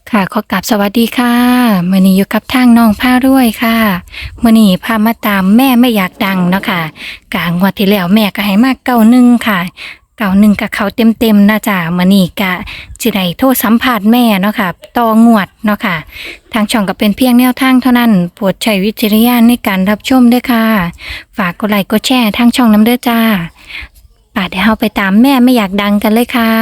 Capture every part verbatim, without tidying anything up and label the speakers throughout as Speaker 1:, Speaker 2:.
Speaker 1: ค่ะขอกราบสวัสดีค่ะมื้อนี้อยู่กับทางน้องผ้ารวยค่ะมื้อนี้พามาตามแม่ไม่อยากดังเนาะค่ะกะงวดที่แล้วแม่ก็ให้มาเก้าหนึ่งค่ะเก้าหนึ่งกับเขาเต็มๆนะจ้ะมื้อนี้กะสิได้โทรสัมภาษณ์แม่เนาะค่ะต่องวดเนาะค่ะทางช่องก็เป็นเพียงแนวทางเท่านั้นโปรดใช้วิจารณญาณในการรับชมด้วยค่ะฝากกดไลค์กดแชร์ทางช่องน้ำเด้อจ้าป่ะเดี๋ยวเราไปตามแม่ไม่อยากดังกันเลยค่ะ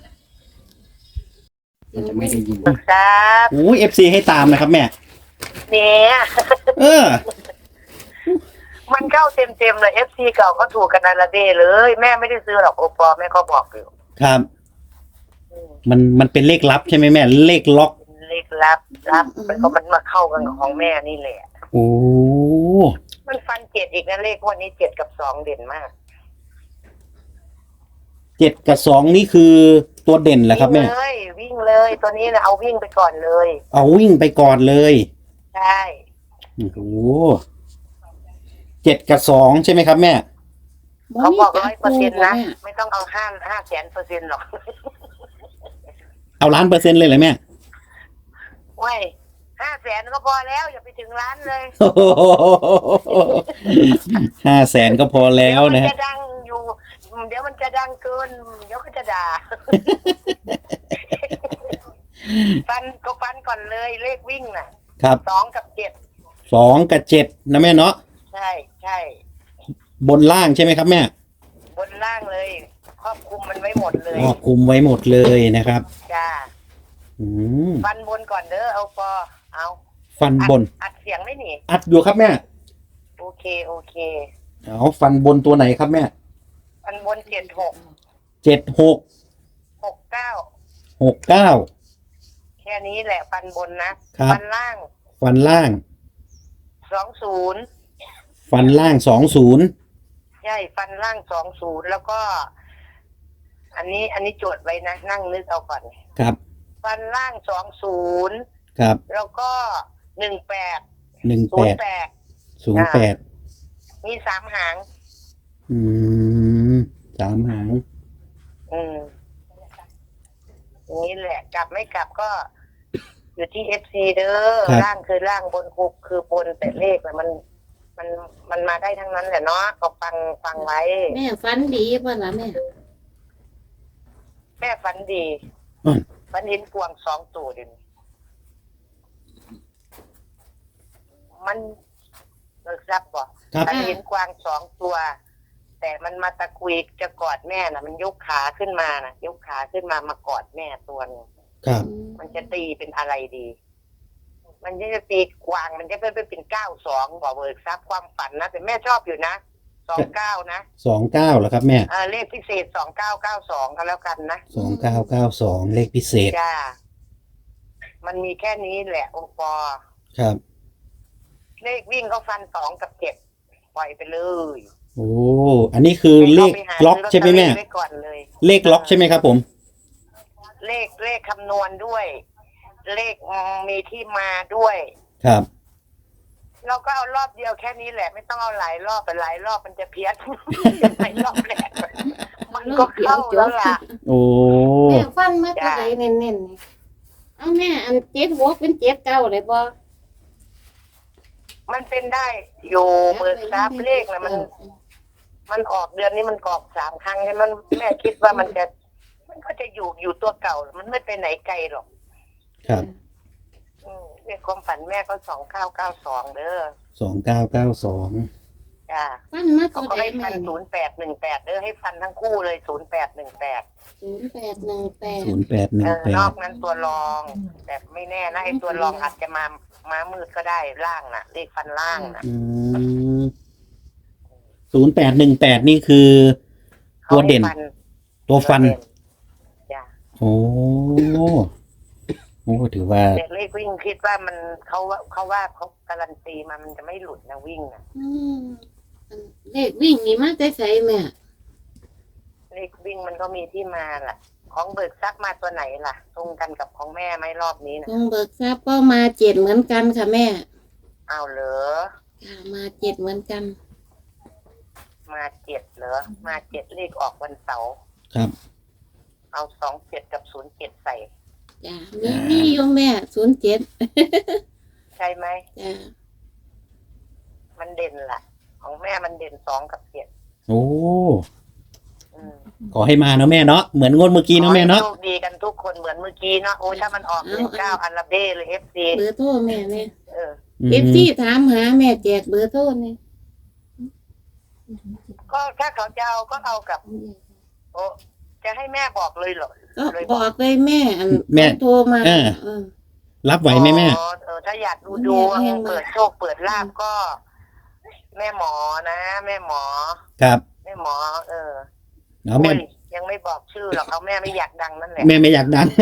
Speaker 2: มันจะไม่ได้ยิน
Speaker 3: ครับ
Speaker 2: โอ้เอฟซีให้ตามนะครับแม่
Speaker 3: เนี่ย
Speaker 2: เออ
Speaker 3: มันเข้าเต็มเต็มๆเลยเอฟซีเก่าก็ถูกกันนาละเดเลย แม่ไม่ได้ซื้อหรอกโอปอแม่ก็บอกอยู่
Speaker 2: ครับ
Speaker 3: อืม
Speaker 2: มันมันเป็นเลขลับใช่ไหมแม่ เลขล็อก
Speaker 3: เลขลับลับมันก็มันมาเข้ากันกับของแม่นี่แหละ
Speaker 2: โอ้
Speaker 3: มันฟันเจ็ดอีกนะเลขวันนี้เจ็ดกับสองเด่นมาก
Speaker 2: เจ็ดกับสองนี่คือตัวเด่นแหละครับแม่
Speaker 3: วิ่งเลยวิ่งเลยตัวนี้นะเอาวิ่งไปก่อนเลย
Speaker 2: เอาวิ่งไปก่อนเลย
Speaker 3: ใช่
Speaker 2: โอ้โหเจ็ดกับสองใช่ไหมครับแม่
Speaker 3: เขาบอกร้อยเปอร์เซ็นต์นะไม่ต้องเอาห้าห้าแสนเปอร์เซ็นต์หรอก
Speaker 2: เอาล้านเปอร์เซ็นต์เลยเหรอแม่
Speaker 3: เว้ยห้าแสนก็พอแล้วอย่าไปถึงล้านเลย
Speaker 2: ห้าแสนก็พอแล้วนะ
Speaker 3: เดี๋ยวมัน
Speaker 2: ฮะ
Speaker 3: จะดังอยู่ เดี๋ยวมันจะดังเกิน เดี๋ยวก็จะด่า ฟันก็ฟันก่อนเลยเลขวิ่งน่ะ
Speaker 2: ครับ
Speaker 3: สองกับเจ็ด
Speaker 2: สองกับเจ็ดนะแม่เนาะ
Speaker 3: ใช่ใช่
Speaker 2: บนล่างใช่ไหมครับแม่
Speaker 3: บนล่างเลย ครอบคลุมมันไว้หมดเลย
Speaker 2: อ๋อคุมไว้หมดเลยนะครับ
Speaker 3: จ้า
Speaker 2: อืม
Speaker 3: ฟันบนก่อนเด้อเอาปอเอา
Speaker 2: ฟันบน
Speaker 3: อัดเสียงไม่หนี
Speaker 2: อัดอยู่ครับแม่
Speaker 3: โอเคโอเค
Speaker 2: เอาฟันบนตัวไหนครับแม่
Speaker 3: ฟันบนเจ็ดหก
Speaker 2: เจ็ดหก
Speaker 3: หกเก้า
Speaker 2: หกเก้า
Speaker 3: แค่นี้แหละฟันบนนะครับ ฟันล่าง
Speaker 2: ฟันล่าง
Speaker 3: สองศูนย์
Speaker 2: ฟันล่างสองศูนย์
Speaker 3: ใช่ฟันล่างสองศูนย์แล้วก็ อันนี้อันนี้โจทย์ไว้นะ นั่งนึกเอาก่อน
Speaker 2: ครับ
Speaker 3: ฟันล่างสองศูนย์
Speaker 2: ครับ
Speaker 3: แล้วก็หนึ่งแปด
Speaker 2: หนึ่ง
Speaker 3: ศู
Speaker 2: แป
Speaker 3: น
Speaker 2: ด
Speaker 3: ย์แปด
Speaker 2: ศูนย์แปด
Speaker 3: มีสามหาง
Speaker 2: อืมสามหาง
Speaker 3: อืมอย่างนี้แหละ กลับไม่กลับก็ อยู่ที่เอฟซีเด้อล่างคือล่างบนคุกคือบนแต่เลขน่ะมัน มันมันมาได้ทั้งนั้นแหละเนาะก็ฟังฟังไว้
Speaker 4: แม่ฝันดีป่ะล่ะแม่
Speaker 3: แม่ฝันดี
Speaker 2: อืม
Speaker 3: ฝันเห็นกวางสองตัวเดิมันเลิกรับบ่
Speaker 2: ครับ
Speaker 3: ฝันเห็นกวางสองตัว แต่มันมาตะกุยจะกอดแม่น่ะ มันยกขาขึ้นมาน่ะ ยกขาขึ้นมามากอดแม่ตัวนึง
Speaker 2: ครับ
Speaker 3: มันจะตีเป็นอะไรดี มันจะตีกวางมันจะเป็นเป็นเก้าสองบอกเบิกทรัพย์ความฝันนะแต่แม่ชอบอยู่นะสองเก้านะ
Speaker 2: สองเก้าเหรอครับแม่
Speaker 3: เออเลขพิเศษสองเก้าเก้าสองก็แล้วกันนะ
Speaker 2: สองเก้าเก้าสองเลขพิเศษ
Speaker 3: จ้า มันมีแค่นี้แหละโอปอ
Speaker 2: ครับ
Speaker 3: เลขวิ่งก็ฟันสองกับเจ็ดปล่อยไปเลย
Speaker 2: โอ้ อันนี้คือเลข
Speaker 3: ให้ขาไปหา
Speaker 2: ล็อกใช่ไหมแม่
Speaker 3: ซื้อลอตเตอรี่ไว้ก่อนเลย
Speaker 2: เลขล็อกใช่ไหมครับผม
Speaker 3: เลขเลขคำนวณด้วย เลขมีที่มาด้วย
Speaker 2: ครับ
Speaker 3: เราก็เอารอบเดียวแค่นี้แหละ ไม่ต้องเอาหลายรอบไปหลายรอบมันจะเพี้ยน หลายรอบแหละมันก็เข้าแล้วล่ะ
Speaker 2: โอ้
Speaker 4: แม่ฟันมาตัวไหนเน้นๆนี่เอาแม่อันเจ็ดหัวเป็นเจ็ดเก้าเลยบ่
Speaker 3: มันเป็นได้อยู่เบิกทรัพย์เลขนะมัน มันออกเดือนนี้มันออกสามครั้งใช่ไหมมันแม่คิดว่ามันจะ มันก็จะอยู่อยู่ตัวเก่า มันไม่ไปไหนไกลหรอก
Speaker 2: ครับ
Speaker 3: อืมเลขความฝันแม่ก็สองเก้าเก้าสองเด้อ
Speaker 2: สองเก้าเก้าสอง
Speaker 3: จ้า
Speaker 4: ฟันมา
Speaker 3: เขา
Speaker 4: ตัว
Speaker 3: ก็
Speaker 4: ไหน
Speaker 3: ให้
Speaker 4: แม่
Speaker 3: ฟันศูนย์แปดหนึ่งแปดเด้อให้ฟันทั้งคู่เลยศูนย์แปดหนึ่งแปด
Speaker 4: ศูนย์แปดหนึ่งแปด
Speaker 2: ศูนย์แปดหนึ่
Speaker 3: เอง อ
Speaker 2: แป
Speaker 3: นอ
Speaker 2: ด
Speaker 3: กนั้นตัวรอง แต่ไม่แน่นะไอ้ตัวรองอาจจะมาม้ามืดก็ได้ล่างน่ะเลขฟันล่างน่ะ
Speaker 2: อืมศูนย์แปดหนึ่งแปดนี่คือ ตัวเด่น
Speaker 3: ขาให้
Speaker 2: ตัวฟัน
Speaker 3: จ้ะ
Speaker 2: โอ้โอ้ถือว่า
Speaker 3: เด็กเลขวิ่งคิดว่ามันเขาว่าเขาว่าเขาการันตีมามันจะไม่หลุดนะวิ่งนะ
Speaker 4: อืมอันเลขวิ่งนี่มาแต่ไสแม่
Speaker 3: เลขวิ่งมันก็มีที่มาล่ะ ของเบิกทรัพย์มาตัวไหนล่ะ ตรงกันกับของแม่ไหมรอบนี้นะ
Speaker 4: ต้องเบิกทราบก็มาเจ็ดเหมือนกันค่ะแม่
Speaker 3: เอาเหรอ
Speaker 4: ค่ะมาเจ็ดเหมือนกัน
Speaker 3: มาเจ็ดเหรอมาเจ็ดเลขออกวันเสาร์
Speaker 2: ครับ
Speaker 3: เอาสองเจ็ดกับศูนย์เจ็ดใส่
Speaker 4: จ้ะมีมีอยู่แม่ศูนย์เจ็ด
Speaker 3: ใช่ไหม
Speaker 4: จ้ะ
Speaker 3: มันเด่นล่ะ ของแม่มันเด่นสองกับเจ็ด
Speaker 2: โอ้
Speaker 3: อืม
Speaker 2: ขอให้มาเนาะแม่เนาะเหมือนงวดเมื่อกี้เนาะแม่เนาะ
Speaker 3: ขอให้โชคดีกันทุกคนเหมือนเมื่อกี้เนาะโอ้ยถ้ามันออกหนึ่งเก้าอันละเบ้เลยเอฟซี
Speaker 4: เบอร์โทรแม่เนี่ย
Speaker 3: เออ
Speaker 4: เอฟซีถามหาแม่แจกเบอร์โทรเนี่ย
Speaker 3: ก็ถ้าเขาจะเอาก็เอากับ โอ้จะให้แม่บอกเลยเหรอ
Speaker 4: ก็
Speaker 3: เลย
Speaker 4: บอกเลยแม่อัน
Speaker 2: แม่
Speaker 4: โทรมา
Speaker 2: เออ
Speaker 4: เออ
Speaker 2: รับไหวไหมแม่
Speaker 3: อ๋อเออถ้าอยากดูดวง
Speaker 4: แม่
Speaker 3: เปิดโชคเปิดลาบก็ แม่หมอนะ แม่หมอ
Speaker 2: ครับ
Speaker 3: แม่หมอ เออ
Speaker 2: เอาแม่
Speaker 3: โอ้ยยังไม่บอกชื่อหรอกเอาแม่ไม่อยากดังนั่นแหละ
Speaker 2: แม่ไม่อยากดัง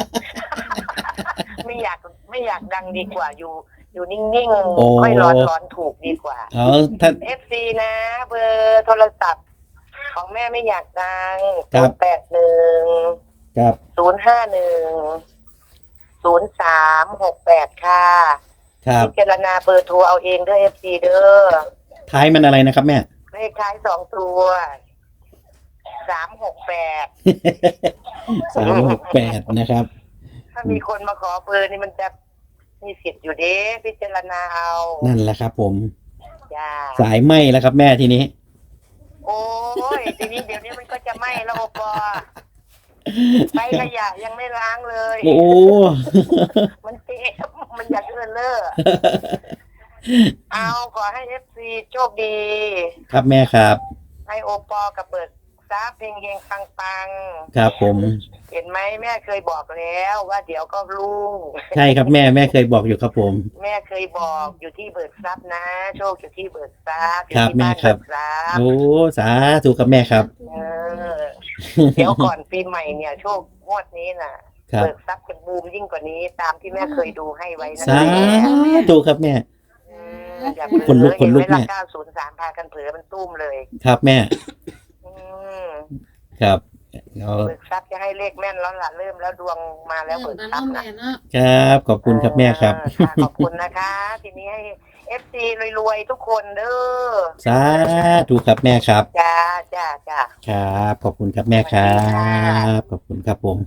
Speaker 3: ไม่อยากไม่อยากดังดีกว่าอยู่ อยู่นิ่ง
Speaker 2: โอ้
Speaker 3: ๆค่อยร้อนร้อนถูกดีกว่า
Speaker 2: เอาถ้า
Speaker 3: เอฟซีนะ เบอร์โทรศัพท์ ของแม่ไม่อยากดัง
Speaker 2: ครับ
Speaker 3: แปดหนึ่ง
Speaker 2: ครับ
Speaker 3: ศูนย์ห้าหนึ่งศูนย์สามหกแปดค่ะ
Speaker 2: ครับ
Speaker 3: พิจารณาเบอร์โทรเอาเองเด้อเอฟซีเด้อ
Speaker 2: ท้ายมันอะไรนะครับแม่
Speaker 3: เลขท้ายสองตัวสามหกแปด
Speaker 2: สามหกแปดนะครับ
Speaker 3: ถ้ามีคนมาขอเบอร์นี่มันจะมีสิทธิ์อยู่เด้พิจารณาเอา
Speaker 2: นั่นแหละครับผม
Speaker 3: จ้า
Speaker 2: สายไหมแล้วครับแม่ทีนี้
Speaker 3: โอ้ยทีนี้เดี๋ยวนี้มันก็จะไหม้แล้วโอปอไปขยะยังไม่ล้างเลย
Speaker 2: โอ้
Speaker 3: มันเจ็บมันอยากเลื่อนเล่อเอาขอให้เอฟซีโชคดี
Speaker 2: ครับแม่ครับ
Speaker 3: ให้โอปอกับเบิกทรัพย์เพลงเฮงปังปัง
Speaker 2: ครับผม
Speaker 3: เห็นไหมแม่เคยบอกแล้วว่าเดี๋ยวก็รุ่ง
Speaker 2: ใช่ครับแม่แม่เคยบอกอยู่ครับผม
Speaker 3: แม่เคยบอกอยู่ที่เบิกทรัพย์นะ โชคอยู่ที่เบิกทรัพย์อยู่
Speaker 2: ครับ
Speaker 3: ที่บ้าน
Speaker 2: แม่ครั
Speaker 3: เบิ
Speaker 2: บ
Speaker 3: กทรัพย์
Speaker 2: โอ้สาธุครับแม่ครับ
Speaker 3: เออเดี๋ยวก่อนปีใหม่เนี่ย โชคงวดนี้น่ะ
Speaker 2: ครับ
Speaker 3: เบิกทรัพย์จะบูมยิ่งกว่านี้ตามที่แม่เคยดูให้ไว้นะ
Speaker 2: สาธุครับแม่
Speaker 3: อืมอย่าเผลอ
Speaker 2: ขนลุกขนลุก
Speaker 3: เห็นไหม
Speaker 2: แม่
Speaker 3: ล่ะเก้าศูนย์สามพากันเผลอมันตุ้มเลย
Speaker 2: ครับแม่
Speaker 3: อืม
Speaker 2: ครับเอา
Speaker 3: เบิกทรัพย์จะให้เลขแม่นแล้วล่ะเริ่มแล้วดวงมาแล้วเบิก
Speaker 4: มา
Speaker 3: ทรั
Speaker 4: เนาะ
Speaker 3: พย์
Speaker 4: แม่
Speaker 3: นะ
Speaker 4: เนาะ
Speaker 2: ครับขอบคุณครับแม่ครับ
Speaker 3: เออค่ะขอบคุณนะคะ ทีนี้ให้เอฟซีรวยๆทุกคนเด้อ
Speaker 2: สาธุครับแม่ครับ
Speaker 3: จ้าจ้าจ้า
Speaker 2: ครับขอบคุณครับแม่ครับ ขอบคุณครับผม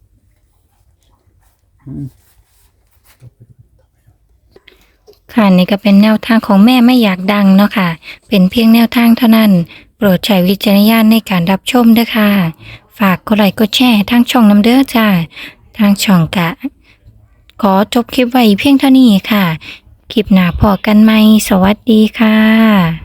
Speaker 2: อืม
Speaker 1: ค่ะนี่ก็เป็นแนวทางของแม่ไม่อยากดังเนาะค่ะ เป็นเพียงแนวทางเท่านั้น โปรดใช้วิจารณญาณในการรับชมด้วยค่ะ ฝากกดไลค์กดแชร์ทางช่องน้ำเด้อจ้า ทางช่องกะ ขอจบคลิปไว้เพียงเท่านี้ค่ะ คลิปหน้าพอกันไหม สวัสดีค่ะ